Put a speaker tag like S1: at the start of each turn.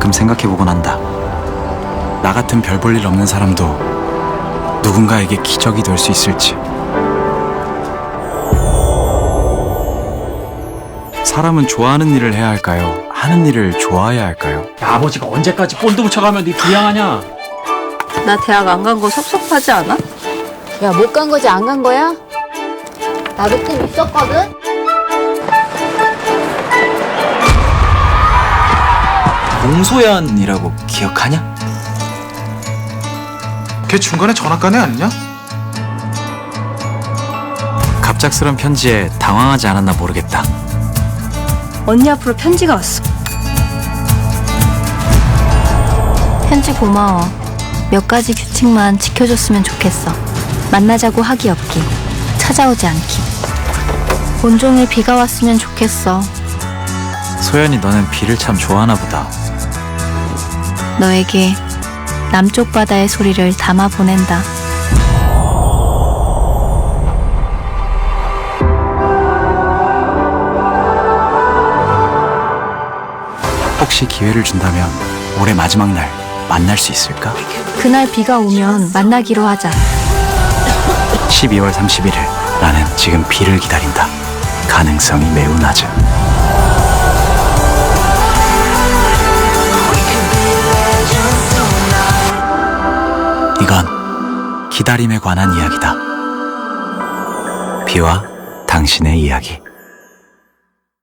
S1: 가끔 생각해보곤 한다. 나 같은 별 볼 일 없는 사람도 누군가에게 기적이 될 수 있을지. 사람은 좋아하는 일을 해야 할까요? 하는 일을 좋아해야 할까요?
S2: 야, 아버지가 언제까지 본드 붙여가면 네 부양하냐?
S3: 나 대학 안 간 거 섭섭하지 않아?
S4: 야, 못 간 거지 안 간 거야? 나도 꿈 있었거든?
S1: 공소연이라고 기억하냐?
S5: 걔 중간에 전학 간 애 아니냐?
S1: 갑작스런 편지에 당황하지 않았나 모르겠다.
S3: 언니 앞으로 편지가 왔어. 편지 고마워. 몇 가지 규칙만 지켜줬으면 좋겠어. 만나자고 하기 없기, 찾아오지 않기. 온종일 비가 왔으면 좋겠어.
S1: 소연이 너는 비를 참 좋아하나 보다.
S3: 너에게 남쪽 바다의 소리를 담아 보낸다.
S1: 혹시 기회를 준다면 올해 마지막 날 만날 수 있을까?
S3: 그날 비가 오면 만나기로 하자.
S1: 12월 31일 나는 지금 비를 기다린다. 가능성이 매우 낮은. 이건 기다림에 관한 이야기다. 비와 당신의 이야기.